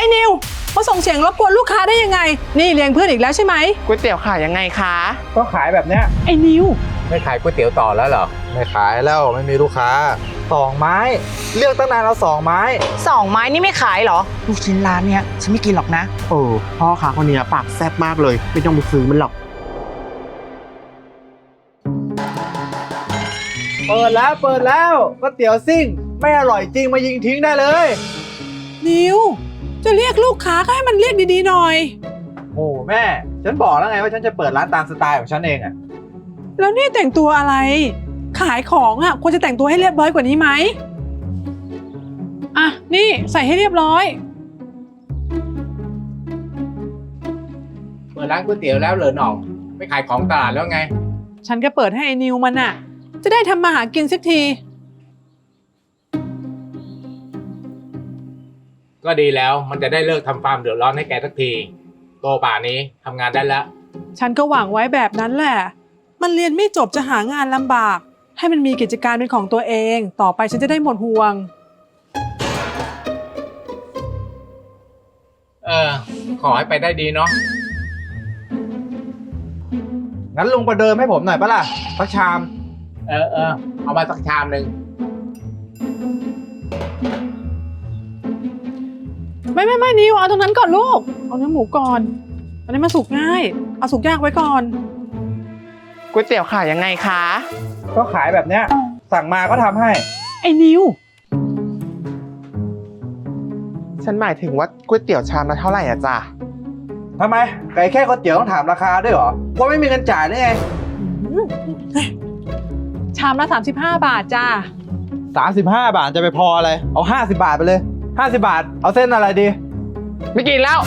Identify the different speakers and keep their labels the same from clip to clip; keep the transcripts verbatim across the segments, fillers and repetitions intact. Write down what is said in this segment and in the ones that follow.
Speaker 1: นิวมาส่งเสียงรบกวนลูกค้าได้ยังไงนี่เลี้ยงเพื่อนอีกแล้วใช่ไหม
Speaker 2: ก๋วยเตี๋ยวขายยังไงคะ
Speaker 3: ก็ขายแบบเนี้ย
Speaker 1: ไอ้นิว
Speaker 4: ไม่ขายก๋วยเตี๋ยวต่อแล้วเหรอ
Speaker 3: ไม่ขายแล้วไม่มีลูกค้าสองไม้เลือกตั้งนานเอาสองไม้
Speaker 5: สองไม้นี่ไม่ขายเหรอลูกชิ้นร้านเนี้ยฉันไม่กินหรอกนะ
Speaker 2: โอ้พ่อค้าคนนี้ปากแซ่บมากเลยไม่ต้องไปซื้อมันหรอก
Speaker 3: เปิดแล้วเปิดแล้วก๋วยเตี๋ยวซิ่งไม่อร่อยจริงมายิงทิ้งได้เลย
Speaker 1: นิวจะเรียกลูกค้าก็ให้มันเรียกดีๆหน่อย
Speaker 3: โอ้แม่ฉันบอกแล้วไงว่าฉันจะเปิดร้านตามสไตล์ของฉันเองอะ
Speaker 1: แล้วนี่แต่งตัวอะไรขายของอ่ะควรจะแต่งตัวให้เรียบร้อยกว่านี้ไหมอ่ะนี่ใส่ให้เรียบร้อย
Speaker 4: เปิดร้านก๋วยเตี๋ยวแล้วเหรอหน่องไม่ขายของตลาดแล้วไง
Speaker 1: ฉันก็เปิดให้ไอ้นิวมันอ่ะจะได้ทำมาหากินสักที
Speaker 4: ก็ดีแล้วมันจะได้เลิกทำฟาร์มเดือดร้อนให้แกสักทีโตป่านี้ทำงานได้แล้ว
Speaker 1: ฉันก็หวังไว้แบบนั้นแหละมันเรียนไม่จบจะหางานลำบากให้มันมีกิจการเป็นของตัวเองต่อไปฉันจะได้หมดห่วง
Speaker 4: เออขอให้ไปได้ดีเนาะ
Speaker 3: งั้นลุงประเดิมให้ผมหน่อยปะล่ะสักชาม
Speaker 4: เออเออเอามาสักชามหนึ่ง
Speaker 1: ไม่ไม่ไม่นิวเอาตรงนั้นก่อนลูกเอาเนื้อหมูก่อนอันนี้มาสุกง่ายเอาสุกยากไว้ก่อน
Speaker 2: ก๋วยเตี๋ยวขายยังไงคะ
Speaker 3: ก็ขายแบบเนี้ยสั่งมาก็ทำให้
Speaker 1: ไอ้นิว
Speaker 2: ฉันหมายถึงว่าก๋วยเตี๋ยวชามละเท่าไหร่อะจ๊ะ
Speaker 3: ทำไมไก่แค่ก๋วยเตี๋ยวต้องถามราคาด้วยเหรอว่าไม่มีเงินจ่ายได้ไง
Speaker 1: ชามละสามสิบห้าบาทจ้า
Speaker 3: สามสิบห้าบาทจะไปพออะไรเอาห้าสิบบาทไปเลยห้าสิบบาทเอาเส้นอะไรดี
Speaker 2: ไม่กินแล้ว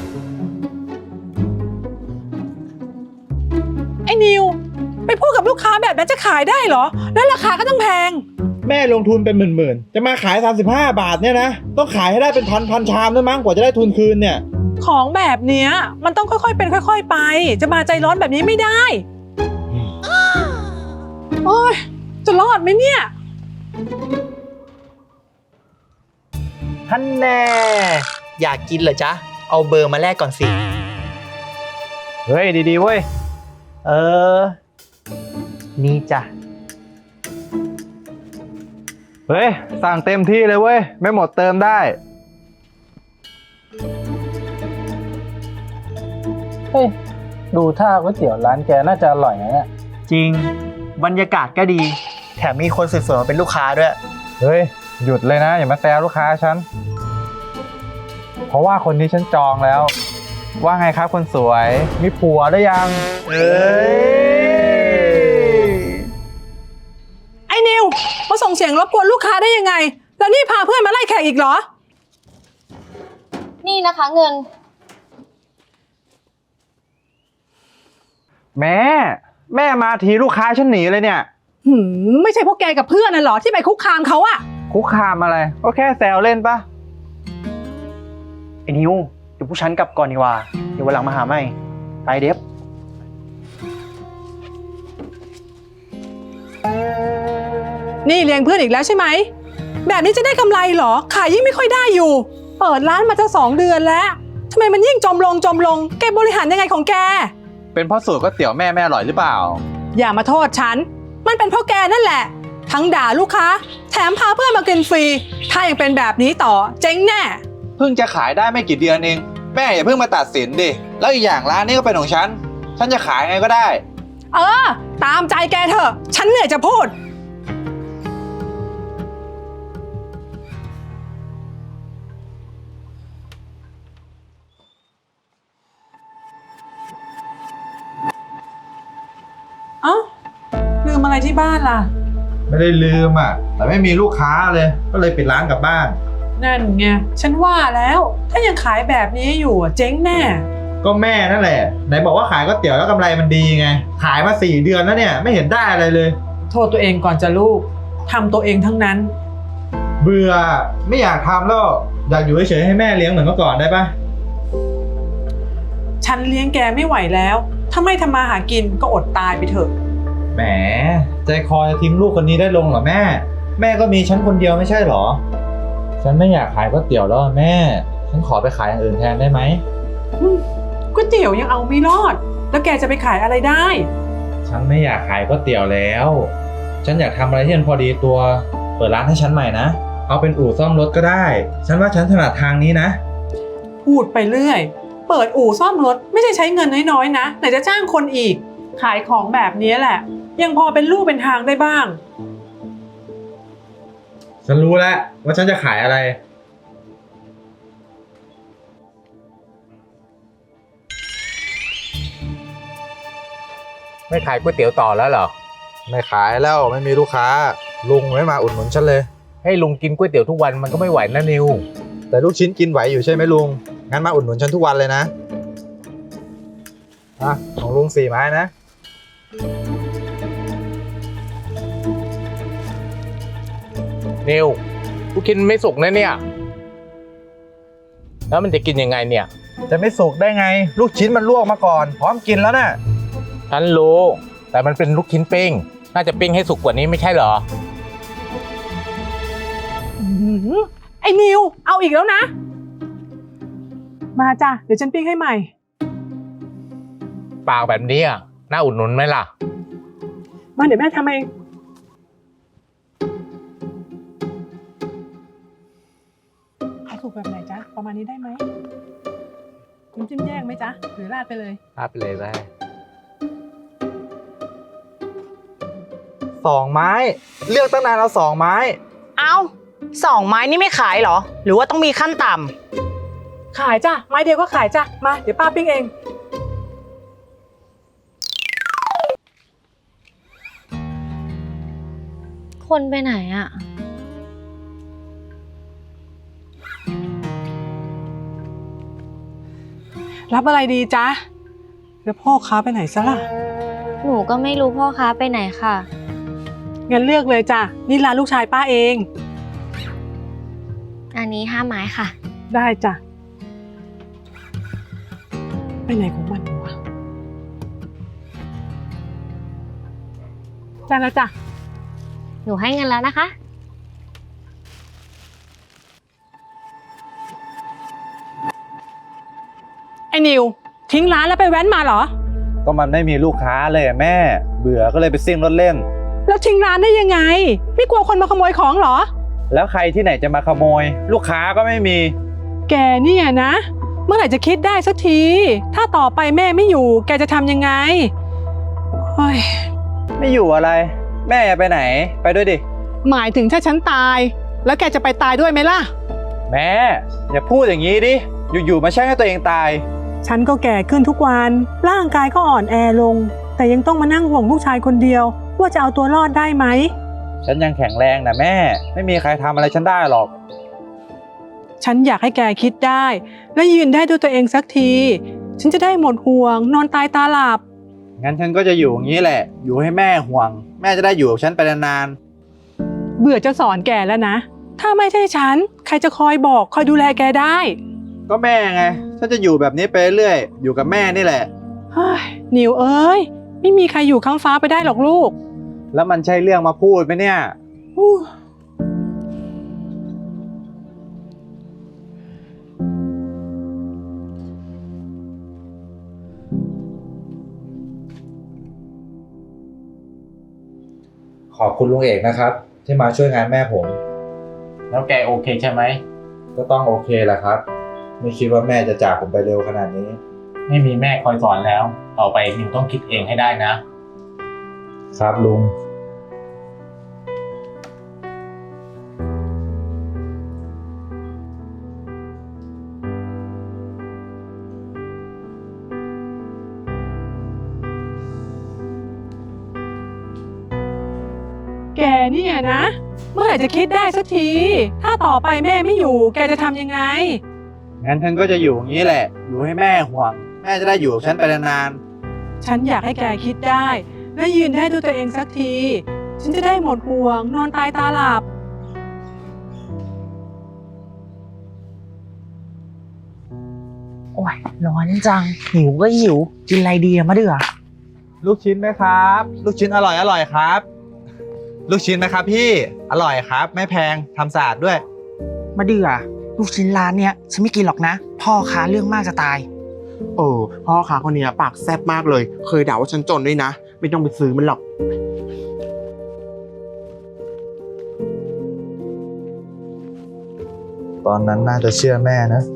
Speaker 1: ไอ้นิวไปพูดกับลูกค้าแบบนั้นจะขายได้เหรอแล้วราคาก็ต้องแพง
Speaker 3: แม่ลงทุนเป็นหมื่นๆจะมาขายสามสิบห้าบาทเนี่ยนะต้องขายให้ได้เป็นพันพันชามด้วยมั้งกว่าจะได้ทุนคืนเนี่ย
Speaker 1: ของแบบเนี้ยมันต้องค่อยๆเป็นค่อยๆไปจะมาใจร้อนแบบนี้ไม่ได้โอ๊ยจะรอดไหมเนี่ย
Speaker 6: ท่านแน่อยากกินเหรอจ๊ะเอาเบอร์มาแลกก่อนสิ
Speaker 3: เฮ้ยดีๆเว้ย
Speaker 6: เออนี่จ้ะ
Speaker 3: เฮ้ยสั่งเต็มที่เลยเว้ยไม่หมดเติมได้
Speaker 7: เฮ้ยดูท่าก๋วยเตี๋ยวร้านแกน่าจะอร่อยนะเนี่ย
Speaker 6: จริงบรรยากาศก็ดีแถมมีคนสวยๆมาเป็นลูกค้าด้วย
Speaker 3: เฮ้ยหยุดเลยนะอย่ามาแซวลูกค้าฉันเพราะว่าคนนี้ฉันจองแล้วว่าไงครับคนสวยมีผัวหรือยัง
Speaker 6: เอ้ย
Speaker 1: ไอ้นิวมาส่งเสียงรบกวนลูกค้าได้ยังไงแล้วนี่พาเพื่อนมาไล่แขกอีกเหรอ
Speaker 8: นี่นะคะเงิน
Speaker 3: แม่แม่มาทีลูกค้าฉันหนีเลยเนี่ย
Speaker 1: หืมไม่ใช่พวกแกกับเพื่อนน่ะเหรอที่ไปคุกคามเขาอะ
Speaker 3: คุกคามอะไรก็แค่แซวเล่นปะ
Speaker 6: ไอ้นิวเดี๋ยวผู้ฉันกลับก่อนดีกว่าเดี๋ยววันหลังมาหาใหม่ไปเด็บ
Speaker 1: นี่เลี้ยงเพื่อนอีกแล้วใช่ไหมแบบนี้จะได้กำไรเหรอขายยิ่งไม่ค่อยได้อยู่เปิดร้านมาจะสองเดือนแล้วทำไมมันยิ่งจมลงจมลงแกบริหารยังไงของแก
Speaker 3: เป็นเพราะสูตรก๋วยเตี๋ยวแม่แม่อร่อยหรือเปล่า
Speaker 1: อย่ามาโทษฉันมันเป็นเพราะแกนั่นแหละทั้งด่าลูกค้าแถมพาเพื่อนมากินฟรีถ้ายังเป็นแบบนี้ต่อเจ๊งแน่
Speaker 3: เพิ่งจะขายได้ไม่กี่เดือนเองแม่อย่าเพิ่งมาตัดสินดิแล้วอีกอย่างร้านนี้ก็เป็นของฉันฉันจะขายไงก็ได้
Speaker 1: เออตามใจแกเถอะฉันเหนื่อยจะพูดเอ้าลืมอะไรที่บ้านล่ะ
Speaker 3: ไม่ได้ลืมอ่ะแต่ไม่มีลูกค้าเลยก็เลยปิดร้านกลับบ้าน
Speaker 1: นั่นไงฉันว่าแล้วถ้ายังขายแบบนี้อยู่เจ๊งแน่
Speaker 3: ก็แม่นั่นแหละไหนบอกว่าขายก๋วยเตี๋ยวแล้วกำไรมันดีไงขายมาสี่เดือนแล้วเนี่ยไม่เห็นได้อะไรเลย
Speaker 1: โทษตัวเองก่อนจะลูกทำตัวเองทั้งนั้น
Speaker 3: เบื่อไม่อยากทำแล้วอยากอยู่เฉยๆให้แม่เลี้ยงเหมือนเมื่อก่อนได้ปะ
Speaker 1: ฉันเลี้ยงแกไม่ไหวแล้วถ้าไม่ทำมาหากินก็อดตายไปเถอะ
Speaker 3: แหมใจคอจะทิ้งลูกคนนี้ได้ลงเหรอแม่แม่ก็มีฉันคนเดียวไม่ใช่หรอฉันไม่อยากขายก๋วยเตี๋ยวแล้วแม่ฉฉันขอไปขายอย่างอื่นแทนได้ไหม
Speaker 1: ก๋วยเตี๋ยวยังเอาไม่รอด แล้วแกจะไปขายอะไรได้
Speaker 3: ฉันไม่อยากขายก๋วยเตี๋ยวแล้ว ฉันอยากทำอะไรที่มันพอดีตัว เปิดร้านให้ฉันใหม่นะ เอาเป็นอู่ซ่อมรถก็ได้ ฉันว่าฉันถนัดทางนี้นะ
Speaker 1: พูดไปเรื่อย เปิดอู่ซ่อมรถไม่ใช่ใช้เงินน้อยๆนะไหนจะจ้างคนอีก ขายของแบบนี้แหละ ยังพอเป็นรูปเป็นทางได้บ้าง
Speaker 3: ฉันรู้แล้วว่าฉันจะขายอะไร
Speaker 4: ไม่ขายก๋วยเตี๋ยวต่อแล้วเหรอ
Speaker 3: ไม่ขายแล้วไม่มีลูกค้า ลุงไม่มาอุดหนุนฉันเลย
Speaker 4: ให้ลุงกินก๋วยเตี๋ยวทุกวันมันก็ไม่ไหวนะนิว
Speaker 3: แต่ลูกชิ้นกินไหวอยู่ใช่ไหมลุง งั้นมาอุดหนุนฉันทุกวันเลยนะอ่ะของลุงสี่ไม้นะ
Speaker 4: นิวกูกินไม่สุกนะเนี่ย แล้วมันจะกินยังไงเนี่ย
Speaker 3: จะไม่สุกได้ไง ลูกชิ้นมันลวกมาก่อน พร้อมกินแล้วน่ะ
Speaker 4: ฉันรู้ แต่มันเป็นลูกชิ้นปิ้ง น่าจะปิ้งให้สุกกว่านี้ไม่ใช่เหรอ
Speaker 1: อื้อหือไอ้นิว เอาอีกแล้วนะ มาจ้ะ เดี๋ยวฉันปิ้งให้ใหม่
Speaker 4: ปากแบบนี้อ่ะน่าอุดหนุนไหมล่ะ
Speaker 1: มาเดี๋ยวแม่ทำเองเอาถูกแบบไหนจ๊ะ ประมาณนี้ได้ไหมน้ำจิ้มแยกไหมจ๊ะ หรือราดไปเลย
Speaker 4: รับไปเลยได้
Speaker 3: สองไม้ เลือกตั้งนานเอาสองไม้
Speaker 5: เอาสองไม้นี่ไม่ขายเหรอ หรือว่าต้องมีขั้นต่ำ
Speaker 1: ขายจ้ะ ไม้เดียวก็ขายจ้ะ มา เดี๋ยวป้าปิ้งเอง
Speaker 8: คนไปไหนอะ
Speaker 1: รับอะไรดีจ๊ะ แล้วพ่อค้าไปไหนซะล่ะ
Speaker 8: หนูก็ไม่รู้พ่อค้าไปไหนค่ะ
Speaker 1: งั้นเลือกเลยจ้ะ นี่ร้านลูกชายป้าเอง
Speaker 8: อันนี้ห้าไม้ค่ะ
Speaker 1: ได้จ้ะ ไปไหนของมันวะได้แล้วจ้ะ
Speaker 8: หนูให้เงินแล้วนะคะ
Speaker 1: ไอ้นิว ทิ้งร้านแล้วไปแว้นมาเหรอ
Speaker 3: ก็มันไม่มีลูกค้าเลยอะแม่ เบื่อก็เลยไปซิ่งรถเล่น
Speaker 1: แล้วทิ้งร้านได้ยังไง ไม่กลัวคนมาขโมยของเหรอ
Speaker 3: แล้วใครที่ไหนจะมาขโมย ลูกค้าก็ไม่มี
Speaker 1: แกเนี่ยนะ เมื่อไหร่จะคิดได้สักที ถ้าต่อไปแม่ไม่อยู่ แกจะทำยังไงเฮ้ย
Speaker 3: ไม่อยู่อะไร แม่อย่าไปไหน ไปด้วยดิ
Speaker 1: หมายถึงถ้าฉันตาย แล้วแกจะไปตายด้วยไหมล่ะ
Speaker 3: แม่ อย่าพูดอย่างนี้ดิ อยู่ๆมาแช่งให้ตัวเองตาย
Speaker 1: ฉันก็แก่ขึ้นทุกวัน ร่างกายก็อ่อนแอลง แต่ยังต้องมานั่งห่วงลูกชายคนเดียว ว่าจะเอาตัวรอดได้ไหม
Speaker 3: ฉันยังแข็งแรงนะแม่ ไม่มีใครทำอะไรฉันได้หรอก
Speaker 1: ฉันอยากให้แกคิดได้ และยืนได้ด้วยตัวเองสักที ฉันจะได้หมดห่วง นอนตายตาหลับ
Speaker 3: งั้นฉันก็จะอยู่อย่างนี้แหละ อยู่ให้แม่ห่วง แม่จะได้อยู่กับฉันไปนาน
Speaker 1: เบื่อจะสอนแกแล้วนะ ถ้าไม่ใช่ฉัน ใครจะคอยบอกคอยดูแลแกได้
Speaker 3: ๆ ก็แม่ไง ฉันจะอยู่แบบนี้ไปเรื่อย อยู่กับแม่นี่แหละ
Speaker 1: เฮ้ยนิวเอ้ย ไม่มีใครอยู่ข้างฟ้าไปได้หรอกลูก
Speaker 3: แล้วมันใช่เรื่องมาพูดไหมเนี่ย
Speaker 1: อู้
Speaker 3: ขอบคุณลุงเอกนะครับ ที่มาช่วยงานแม่ผม
Speaker 4: แล้วแกโอเคใช่ไหม
Speaker 3: ก็ต้องโอเคแหละครับ ไม่คิดว่าแม่จะจากผมไปเร็วขนาดนี้
Speaker 4: ไม่มีแม่คอยสอนแล้ว ต่อไปนิวต้องคิดเองให้ได้นะ
Speaker 3: ครับลุง
Speaker 1: แกเนี่ยนะ เมื่อไหร่จะคิดได้สักที ถ้าต่อไปแม่ไม่อยู่ แกจะทำยังไง
Speaker 3: งั้นฉันก็จะอยู่อย่างนี้แหละ อยู่ให้แม่ห่วง แม่จะได้อยู่กับฉันไปนาน
Speaker 1: ฉันอยากให้แกคิดได้ และยืนได้ด้วยตัวเองสักที ฉันจะได้หมดห่วง นอนตายตาหลับ
Speaker 5: โอ้ยร้อนจัง หิวก็หิว กินอะไรดีอะมะเดือ
Speaker 3: ๆ ลูกชิ้นไหมครับ ลูกชิ้นอร่อยอร่อยครับ ลูกชิ้นไหมครับพี่ อร่อยครับ ไม่แพงทำสะอาดด้วย
Speaker 5: มะเดือลูกชิ้นร้านเนี้ยฉันไม่กินหรอกนะ พ่อค้าเรื่องมากจะตาย
Speaker 2: เออพ่อค้าคนเนี้ยปากแซ่บมากเลย เคยด่าว่าฉันจนด้วยนะ ไม่ต้องไปซื้อมันหรอก
Speaker 3: ตอนนั้นน่าจะเชื่อแม่นะ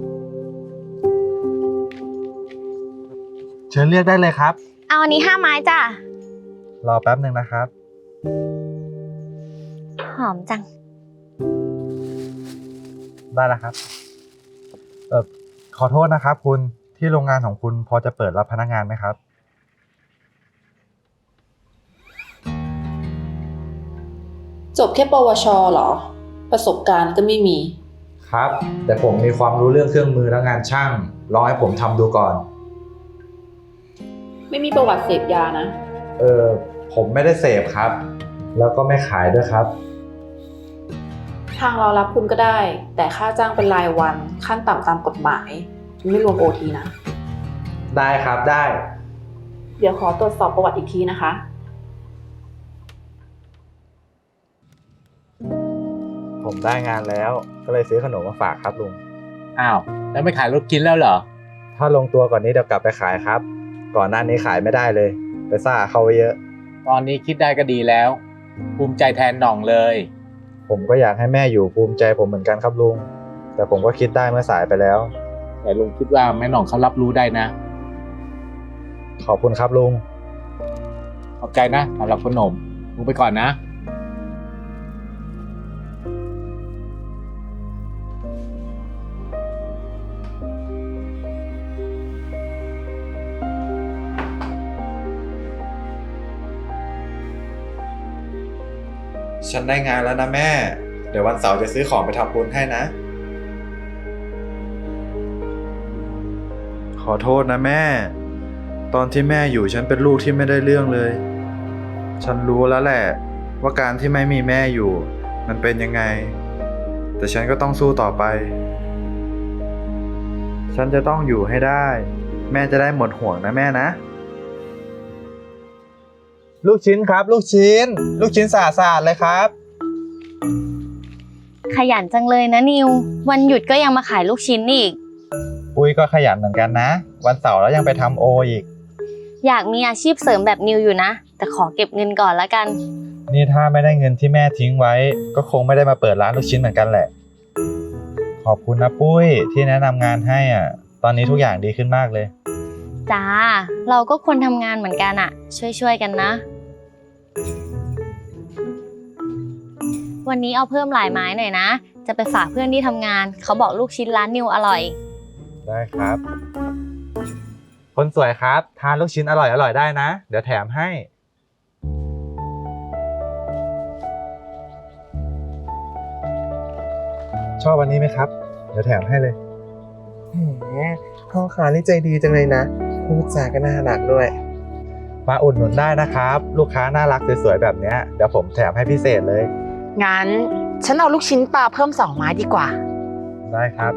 Speaker 3: เชิญเรียกได้เลยครับ
Speaker 8: เอาอันนี้ห้าไม้จ้ะ
Speaker 3: รอแป๊บหนึ่งนะครับ
Speaker 8: หอมจัง
Speaker 3: ได้แล้วครับ เออขอโทษนะครับคุณที่โรงงานของคุณพอจะเปิดรับพนักงานไหมครับ
Speaker 9: จบแค่ปวชเหรอ ประสบการณ์ก็ไม่มี
Speaker 3: ครับ แต่ผมมีความรู้เรื่องเครื่องมือและงานช่างลองให้ผมทำดูก่อน
Speaker 9: ไม่มีประวัติเสพยานะ
Speaker 3: เออผมไม่ได้เสพครับ แล้วก็ไม่ขายด้วยครับ
Speaker 9: ทางเรารับคุณก็ได้ แต่ค่าจ้างเป็นรายวันขั้นต่ำตามกฎหมาย ไม่รวมโอทีนะ
Speaker 3: ได้ครับได้
Speaker 9: เดี๋ยวขอตรวจสอบประวัติอีกทีนะคะ
Speaker 3: ผมได้งานแล้วก็เลยซื้อขนมมาฝากครับลุง
Speaker 4: อ้าว แล้วไม่ขายลูกชิ้นแล้วเหรอ
Speaker 3: ถ้าลงตัวก่อนนี้เดี๋ยวกลับไปขายครับ ก่อนหน้านี้ขายไม่ได้เลย ไปซ่าเข้าไว้เยอะ
Speaker 4: ตอนนี้คิดได้ก็ดีแล้ว ภูมิใจแทนหน่องเลย
Speaker 3: ผมก็อยากให้แม่อยู่ภูมิใจผมเหมือนกันครับลุง แต่ผมก็คิดได้เมื่อสายไปแล้ว
Speaker 4: แต่ลุงคิดว่าแม่หน่องเขารับรู้ได้นะ
Speaker 3: ขอบคุณครับลุง
Speaker 4: ขอบใจนะสำหรับขนมลุงไปก่อนนะ
Speaker 3: ฉันได้งานแล้วนะแม่ เดี๋ยววันเสาร์จะซื้อของไปทำบุญให้นะ ขอโทษนะแม่ ตอนที่แม่อยู่ฉันเป็นลูกที่ไม่ได้เรื่องเลย ฉันรู้แล้วแหละว่าการที่ไม่มีแม่อยู่มันเป็นยังไง แต่ฉันก็ต้องสู้ต่อไป ฉันจะต้องอยู่ให้ได้ แม่จะได้หมดห่วงนะแม่นะ ลูกชิ้นครับ ลูกชิ้น ลูกชิ้นสะอาดๆเลยครับ
Speaker 8: ขยันจังเลยนะนิว วันหยุดก็ยังมาขายลูกชิ้นอีก
Speaker 3: ปุ้ยก็ขยันเหมือนกันนะ วันเสาร์แล้วยังไปทำโออีก
Speaker 8: อยากมีอาชีพเสริมแบบนิวอยู่นะ แต่ขอเก็บเงินก่อนละกัน
Speaker 3: นี่ถ้าไม่ได้เงินที่แม่ทิ้งไว้ ก็คงไม่ได้มาเปิดร้านลูกชิ้นเหมือนกันแหละ ขอบคุณนะปุ้ยที่แนะนำงานให้อ่ะ ตอนนี้ทุกอย่างดีขึ้นมากเลย
Speaker 8: จ้า เราก็คนทำงานเหมือนกันอะช่วยๆกันนะ วันนี้เอาเพิ่มหลายไม้หน่อยนะ จะไปฝากเพื่อนที่ทำงาน เขาบอกลูกชิ้นร้านนิวอร่อย
Speaker 3: ได้ครับ คนสวยครับ ทานลูกชิ้นอร่อยอร่อยได้นะ เดี๋ยวแถมให้ ชอบวันนี้ไหมครับ เดี๋ยวแถมให้เลย
Speaker 2: แหมพ่อค้านี่ใจดีจังเลยนะ พูดจาก็น่ารักด้วย
Speaker 3: มาอุดหนุนได้นะครับ ลูกค้าน่ารักสวยๆแบบเนี้ยเดี๋ยวผมแถมให้พิเศษเลย
Speaker 5: งั้นฉันเอาลูกชิ้นปลาเพิ่มสองไม้ดีกว่า
Speaker 3: ได้ครับ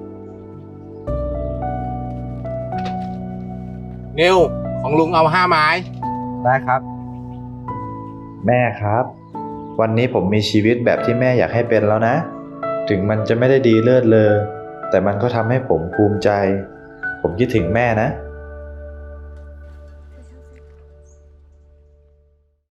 Speaker 4: นิว ของลุงเอาห้าไม้
Speaker 3: ได้ครับ แม่ครับ วันนี้ผมมีชีวิตแบบที่แม่อยากให้เป็นแล้วนะ ถึงมันจะไม่ได้ดีเลิศเลอแต่มันก็ทำให้ผมภูมิใจ ผมคิดถึงแม่นะ